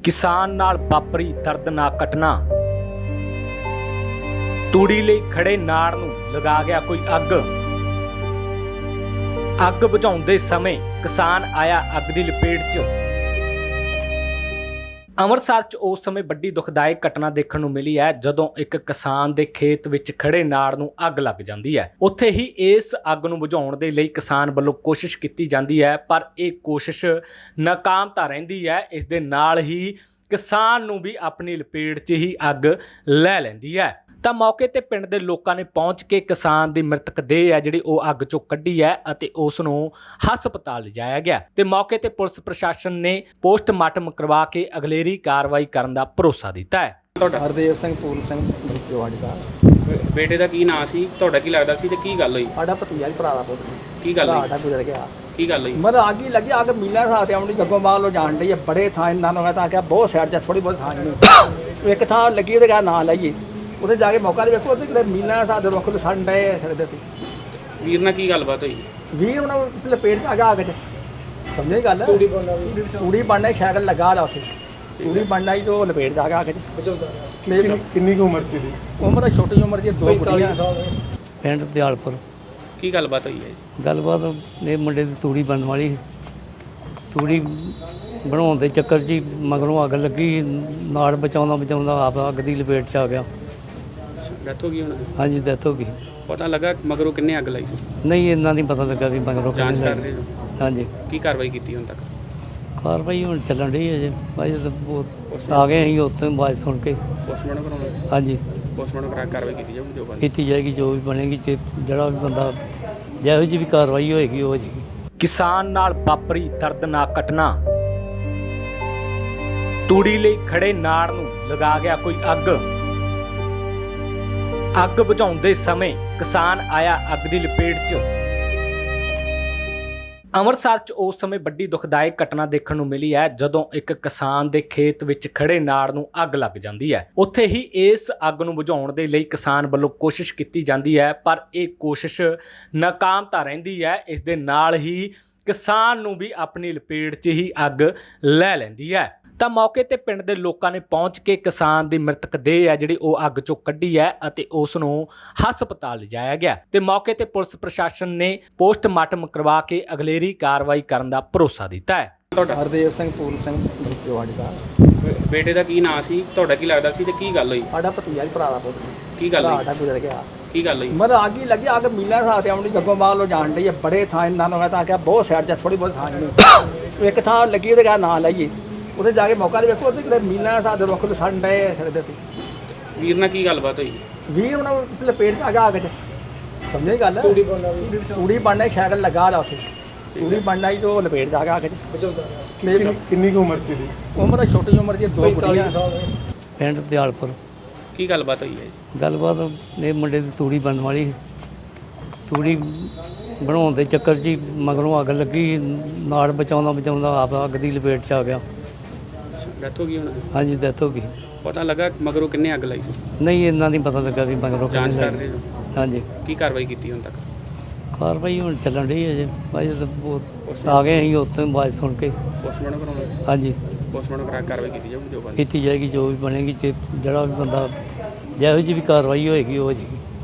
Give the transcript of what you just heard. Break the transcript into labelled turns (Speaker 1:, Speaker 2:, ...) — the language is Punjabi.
Speaker 1: किसान नाल वापरी दर्दनाक घटना। तूड़ी ਲਈ ਖੜੇ ਨਾੜ ਨੂੰ ਲਗਾ ਗਿਆ ਕੋਈ ਅੱਗ ਬੁਝਾਉਂਦੇ ਸਮੇਂ ਕਿਸਾਨ ਆਇਆ ਅੱਗ ਦੀ ਲਪੇਟ 'ਚ। ਅੰਮ੍ਰਿਤਸਰ 'ਚ ਉਸ ਸਮੇਂ ਵੱਡੀ ਦੁਖਦਾਇਕ ਘਟਨਾ ਦੇਖਣ ਨੂੰ ਮਿਲੀ ਹੈ ਜਦੋਂ ਇੱਕ ਕਿਸਾਨ ਦੇ ਖੇਤ ਵਿੱਚ ਖੜੇ ਨਾੜ ਨੂੰ ਅੱਗ ਲੱਗ ਜਾਂਦੀ ਹੈ। ਉੱਥੇ ਹੀ ਇਸ ਅੱਗ ਨੂੰ ਬੁਝਾਉਣ ਦੇ ਲਈ ਕਿਸਾਨ ਵੱਲੋਂ ਕੋਸ਼ਿਸ਼ ਕੀਤੀ ਜਾਂਦੀ ਹੈ, ਪਰ ਇਹ ਕੋਸ਼ਿਸ਼ ਨਾਕਾਮ ਤਾਂ ਰਹਿੰਦੀ ਹੈ। ਇਸ ਦੇ ਨਾਲ ਹੀ ਕਿਸਾਨ ਨੂੰ ਵੀ ਆਪਣੀ ਲਪੇਟ 'ਚ ਹੀ ਅੱਗ ਲੈ ਲੈਂਦੀ ਹੈ। ਤਾਂ ਮੌਕੇ ਤੇ ਪਿੰਡ ਦੇ ਲੋਕਾਂ ਨੇ ਪਹੁੰਚ ਕੇ ਕਿਸਾਨ ਦੀ ਮ੍ਰਿਤਕ ਦੇਹ ਹੈ ਜਿਹੜੀ ਉਹ ਅੱਗ ਚੋਂ ਕੱਢੀ ਹੈ ਅਤੇ ਉਸ ਨੂੰ ਹਸਪਤਾਲ ਲਿਜਾਇਆ ਗਿਆ ਤੇ ਮੌਕੇ ਤੇ ਪੁਲਿਸ ਪ੍ਰਸ਼ਾਸਨ ਨੇ ਪੋਸਟਮਾਰਟਮ ਕਰਵਾ ਕੇ ਅਗਲੇਰੀ ਕਾਰਵਾਈ ਕਰਨ ਦਾ ਭਰੋਸਾ ਦਿੱਤਾ ਹੈ।
Speaker 2: ਤੁਹਾਡਾ
Speaker 3: ਹਰਦੇਵ ਸਿੰਘ ਪੂਰਨ ਸਿੰਘ ਜਵਾੜੀ ਦਾ
Speaker 2: ਬੇਟੇ ਦਾ ਕੀ ਨਾਂ ਸੀ, ਤੁਹਾਡਾ ਕੀ ਲੱਗਦਾ ਸੀ ਤੇ ਕੀ ਗੱਲ ਹੋਈ?
Speaker 3: ਸਾਡਾ ਭਤੀਜਾ ਹੀ ਭਰਾ ਦਾ ਪੁੱਤ ਸੀ।
Speaker 2: ਕੀ ਗੱਲ ਹੋਈ?
Speaker 3: ਸਾਡਾ ਗੁਜ਼ਰ ਗਿਆ।
Speaker 2: ਕੀ ਗੱਲ ਹੋਈ?
Speaker 3: ਮਤਲਬ ਅੱਗ ਹੀ ਲੱਗੀ, ਅੱਗ ਮੀਲਾਂ ਸਾਹ ਤੇ ਆਉਣੀ ਗੱਗੋਂ ਬਾਹਰ ਲੋ ਜਾਣ ਡਈ ਹੈ। ਬੜੇ ਥਾਂ ਇਹਨਾਂ ਨੂੰ ਮੈਂ ਤਾਂ ਕਿਹਾ ਬਹੁਤ ਸਾਈਡ 'ਚ ਥੋੜੀ ਬਹੁਤ ਥਾਂ ਨਹੀਂ ਇੱਕ ਥਾਂ ਲੱਗੀ ਉਹਦੇ ਕਹਾ ਨਾਂ ਲਾਈਏ, ਉੱਥੇ ਜਾ ਕੇ ਮੌਕਾ ਦੇ ਵੇਖੋ ਉਹਦੇ ਮੀਲਾਂ ਸਾਹ ਦੇ ਰੁੱਖ ਲਸਣ ਡਏ ਫਿਰਦੇ ਸੀ।
Speaker 2: ਵੀਰ ਨਾਲ ਕੀ ਗੱਲਬਾਤ ਹੋਈ?
Speaker 3: ਵੀਰ ਉਹਨਾਂ ਨੂੰ ਇਸ ਲਪੇਟ 'ਚ ਆ ਗਿਆ ਅੱਗ 'ਚ। ਸਮਝੇ ਗੱਲ? ਤੂੜੀ ਬਣਨਾ ਸਾਈਕਲ ਲੱਗਾ ਲਾ ਉੱਥੇ ਤੂੜੀ ਬਣਨਾ ਹੀ ਤੋਂ ਲਪੇਟ 'ਚ ਆ ਗਿਆ ਅੱਗ 'ਚ।
Speaker 4: ਕਿੰਨੀ ਕੁ ਉਮਰ ਸੀ ਦੀ?
Speaker 3: ਉਮਰ ਛੋਟੀ ਉਮਰ ਦੀ 2 ਕੁੜੀਆਂ।
Speaker 5: ਪਿੰਡ ਦਿਆਲਪੁਰ।
Speaker 2: ਕੀ ਗੱਲਬਾਤ ਹੋਈ ਹੈ?
Speaker 5: ਗੱਲਬਾਤ ਇਹ ਮੁੰਡੇ ਦੀ ਤੂੜੀ ਬਣਨ ਵਾਲੀ ਸੀ। ਤੂੜੀ ਬਣਾਉਣ ਦੇ ਚੱਕਰ 'ਚ ਹੀ ਮਗਰੋਂ ਅੱਗ ਲੱਗੀ, ਨਾੜ ਬਚਾਉਂਦਾ ਆਪ ਅੱਗ ਦੀ ਲਪੇਟ 'ਚ ਆ ਗਿਆ।
Speaker 2: ਡੈਥ ਹੋ ਗਈ ਉਹਨਾਂ ਦੀ?
Speaker 5: ਹਾਂਜੀ, ਡੈਥ ਹੋ ਗਈ।
Speaker 2: ਪਤਾ ਲੱਗਾ ਮਗਰੋਂ ਕਿੰਨੇ ਅੱਗ ਲਾਈ?
Speaker 5: ਨਹੀਂ, ਇੰਨਾ ਨਹੀਂ ਪਤਾ ਲੱਗਾ ਵੀ ਮਗਰੋਂ
Speaker 2: ਜਾਂਚ
Speaker 5: ਕਿਹਨੇ
Speaker 2: ਕਰ
Speaker 5: ਲਾਈ।
Speaker 2: ਰਹੇ ਹੋ?
Speaker 5: ਹਾਂਜੀ,
Speaker 2: ਕੀ ਕਾਰਵਾਈ ਕੀਤੀ ਹੁਣ ਤੱਕ?
Speaker 5: ਕਾਰਵਾਈ ਹੁਣ ਚੱਲਣ ਰਹੀ ਹੈ ਜੇ ਭਾਈ ਆ ਗਏ ਅਸੀਂ ਉੱਥੇ ਆਵਾਜ਼ ਸੁਣ ਕੇ।
Speaker 2: ਪੋਸਟਮਾਰਟਮ ਕਰਾਉਣਾ?
Speaker 5: ਹਾਂਜੀ,
Speaker 2: ਪੋਸਟਮਾਰਟਮ ਕਰਾ ਕੇ ਕਾਰਵਾਈ ਕੀਤੀ ਜਾਊਗੀ ਜੋ ਬੰਦੀ।
Speaker 5: ਕੀਤੀ ਜਾਏਗੀ, ਜੋ ਵੀ ਬਣੇਗੀ। ਜਿਹੜਾ ਵੀ ਬੰਦਾ ਜਿਹੋ ਜਿਹੀ ਵੀ ਕਾਰਵਾਈ ਹੋਏਗੀ ਉਹ ਹੋ ਜਾਏਗੀ।
Speaker 1: ਕਿਸਾਨ ਨਾਲ ਵਾਪਰੀ ਦਰਦਨਾਕ ਘਟਨਾ। ਤੂੜੀ ਲਈ ਖੜੇ ਨਾੜ ਨੂੰ ਲਗਾ ਗਿਆ ਕੋਈ ਅੱਗ ਬੁਝਾਉਂਦੇ ਸਮੇਂ ਕਿਸਾਨ ਆਇਆ ਅੱਗ ਦੀ ਲਪੇਟ 'ਚ। ਅੰਮ੍ਰਿਤਸਰ 'ਚ ਉਸ ਸਮੇਂ ਵੱਡੀ ਦੁਖਦਾਇਕ ਘਟਨਾ ਦੇਖਣ ਨੂੰ ਮਿਲੀ ਹੈ ਜਦੋਂ ਇੱਕ ਕਿਸਾਨ ਦੇ ਖੇਤ ਵਿੱਚ ਖੜੇ ਨਾੜ ਨੂੰ ਅੱਗ ਲੱਗ ਜਾਂਦੀ ਹੈ। ਉੱਥੇ ਹੀ ਇਸ ਅੱਗ ਨੂੰ ਬੁਝਾਉਣ ਦੇ ਲਈ ਕਿਸਾਨ ਵੱਲੋਂ ਕੋਸ਼ਿਸ਼ ਕੀਤੀ ਜਾਂਦੀ ਹੈ, ਪਰ ਇਹ ਕੋਸ਼ਿਸ਼ ਨਾਕਾਮ ਤਾਂ ਰਹਿੰਦੀ ਹੈ। ਇਸ ਦੇ ਨਾਲ ਹੀ ਕਿਸਾਨ ਨੂੰ ਵੀ ਆਪਣੀ ਲਪੇਟ 'ਚ ਹੀ ਅੱਗ ਲੈ ਲੈਂਦੀ ਹੈ। ਤਾਂ ਮੌਕੇ ਤੇ ਪਿੰਡ ਦੇ ਲੋਕਾਂ ਨੇ ਪਹੁੰਚ ਕੇ ਕਿਸਾਨ ਦੀ ਮ੍ਰਿਤਕ ਦੇਹ ਹੈ ਜਿਹੜੀ ਉਹ ਅੱਗ ਚੋਂ ਕੱਢੀ ਹੈ ਅਤੇ ਉਸ ਨੂੰ ਹਸਪਤਾਲ ਲਿਜਾਇਆ ਗਿਆ ਤੇ ਮੌਕੇ ਤੇ ਪੁਲਿਸ ਪ੍ਰਸ਼ਾਸਨ ਨੇ ਪੋਸਟਮਾਰਟਮ ਕਰਵਾ ਕੇ ਅਗਲੇਰੀ ਕਾਰਵਾਈ ਕਰਨ ਦਾ ਭਰੋਸਾ ਦਿੱਤਾ ਹੈ।
Speaker 2: ਤੁਹਾਡਾ?
Speaker 3: ਹਰਦੇਵ ਸਿੰਘ ਪੂਰਨ ਸਿੰਘ ਜਵਾੜੀ ਦਾ
Speaker 2: ਬੇਟੇ ਦਾ ਕੀ ਨਾਂ ਸੀ, ਤੁਹਾਡਾ ਕੀ ਲੱਗਦਾ ਸੀ ਤੇ ਕੀ ਗੱਲ ਹੋਈ?
Speaker 3: ਸਾਡਾ ਭਤੀਜਾ ਹੀ ਭਰਾ ਦਾ ਪੁੱਤ ਸੀ।
Speaker 2: ਕੀ ਗੱਲ ਹੋਈ?
Speaker 3: ਸਾਡਾ ਗੁਜ਼ਰ ਗਿਆ।
Speaker 2: ਕੀ ਗੱਲ ਹੋਈ?
Speaker 3: ਮਤਲਬ ਅੱਗ ਹੀ ਲੱਗੀ, ਅੱਗ ਮੀਲਾਂ ਸਾਹ ਤੇ ਆਉਣੀ ਗੱਗੋਂ ਬਾਹਰ ਲੋ ਜਾਣ ਡਈ ਹੈ। ਬੜੇ ਥਾਂ ਇਹਨਾਂ ਨੂੰ ਮੈਂ ਤਾਂ ਕਿਹਾ ਬਹੁਤ ਸਾਈਡ 'ਚ ਥੋੜੀ ਬਹੁਤ ਥਾਂ ਨਹੀਂ ਇੱਕ ਥਾਂ ਲੱਗੀ ਉਹਦੇ ਕਹਾ ਨਾਂ ਲਾਈਏ, ਉੱਥੇ ਜਾ ਕੇ ਮੌਕਾ ਦੇ ਵੇਖੋ ਉਹਦੇ ਮੀਲਾਂ ਸਾਹ ਦੇ ਰੁੱਖ ਲਸਣ ਡਏ ਫਿਰਦੇ ਸੀ।
Speaker 2: ਵੀਰ ਨਾਲ ਕੀ ਗੱਲਬਾਤ ਹੋਈ?
Speaker 3: ਵੀਰ ਉਹਨਾਂ ਨੂੰ ਇਸ ਲਪੇਟ 'ਚ ਆ ਗਿਆ ਅੱਗ 'ਚ। ਸਮਝੇ ਗੱਲ? ਤੂੜੀ ਬਣਨਾ ਸਾਈਕਲ ਲੱਗਾ ਲਾ ਉੱਥੇ ਤੂੜੀ ਬਣਨਾ ਹੀ ਤੋਂ ਲਪੇਟ 'ਚ ਆ ਗਿਆ ਅੱਗ 'ਚ।
Speaker 4: ਕਿੰਨੀ ਕੁ ਉਮਰ ਸੀ ਦੀ?
Speaker 3: ਉਮਰ ਛੋਟੀ ਉਮਰ ਦੀ 2 ਕੁੜੀਆਂ।
Speaker 5: ਪਿੰਡ ਦਿਆਲਪੁਰ।
Speaker 2: ਕੀ ਗੱਲਬਾਤ ਹੋਈ ਹੈ?
Speaker 5: ਗੱਲਬਾਤ ਇਹ ਮੁੰਡੇ ਦੀ ਤੂੜੀ ਬਣਨ ਵਾਲੀ ਸੀ। ਤੂੜੀ ਬਣਾਉਣ ਦੇ ਚੱਕਰ 'ਚ ਹੀ ਮਗਰੋਂ ਅੱਗ ਲੱਗੀ, ਨਾੜ ਬਚਾਉਂਦਾ ਆਪ ਅੱਗ ਦੀ ਲਪੇਟ 'ਚ ਆ ਗਿਆ।
Speaker 2: ਡੈਥ ਹੋ ਗਈ ਉਹਨਾਂ ਦੀ?
Speaker 5: ਹਾਂਜੀ, ਡੈਥ ਹੋ ਗਈ।
Speaker 2: ਪਤਾ ਲੱਗਾ ਮਗਰੋਂ ਕਿੰਨੇ ਅੱਗ ਲਾਈ?
Speaker 5: ਨਹੀਂ, ਇੰਨਾ ਨਹੀਂ ਪਤਾ ਲੱਗਾ ਵੀ ਮਗਰੋਂ
Speaker 2: ਜਾਂਚ
Speaker 5: ਕਿਹਨੇ
Speaker 2: ਕਰ
Speaker 5: ਲਾਈ।
Speaker 2: ਰਹੇ ਹੋ?
Speaker 5: ਹਾਂਜੀ,
Speaker 2: ਕੀ ਕਾਰਵਾਈ ਕੀਤੀ ਹੁਣ ਤੱਕ?
Speaker 5: ਕਾਰਵਾਈ ਹੁਣ ਚੱਲਣ ਰਹੀ ਹੈ ਜੇ ਭਾਈ ਆ ਗਏ ਅਸੀਂ ਉੱਥੇ ਆਵਾਜ਼ ਸੁਣ ਕੇ।
Speaker 2: ਪੋਸਟਮਾਰਟਮ ਕਰਾਉਣਾ?
Speaker 5: ਹਾਂਜੀ,
Speaker 2: ਪੋਸਟਮਾਰਟਮ ਕਰਾ ਕੇ ਕਾਰਵਾਈ ਕੀਤੀ ਜਾਊਗੀ ਜੋ ਬੰਦੀ।
Speaker 5: ਕੀਤੀ ਜਾਏਗੀ, ਜੋ ਵੀ ਬਣੇਗੀ। ਜਿਹੜਾ ਵੀ ਬੰਦਾ ਜਿਹੋ ਜਿਹੀ ਵੀ ਕਾਰਵਾਈ ਹੋਏਗੀ ਉਹ ਹੋ ਜਾਏਗੀ।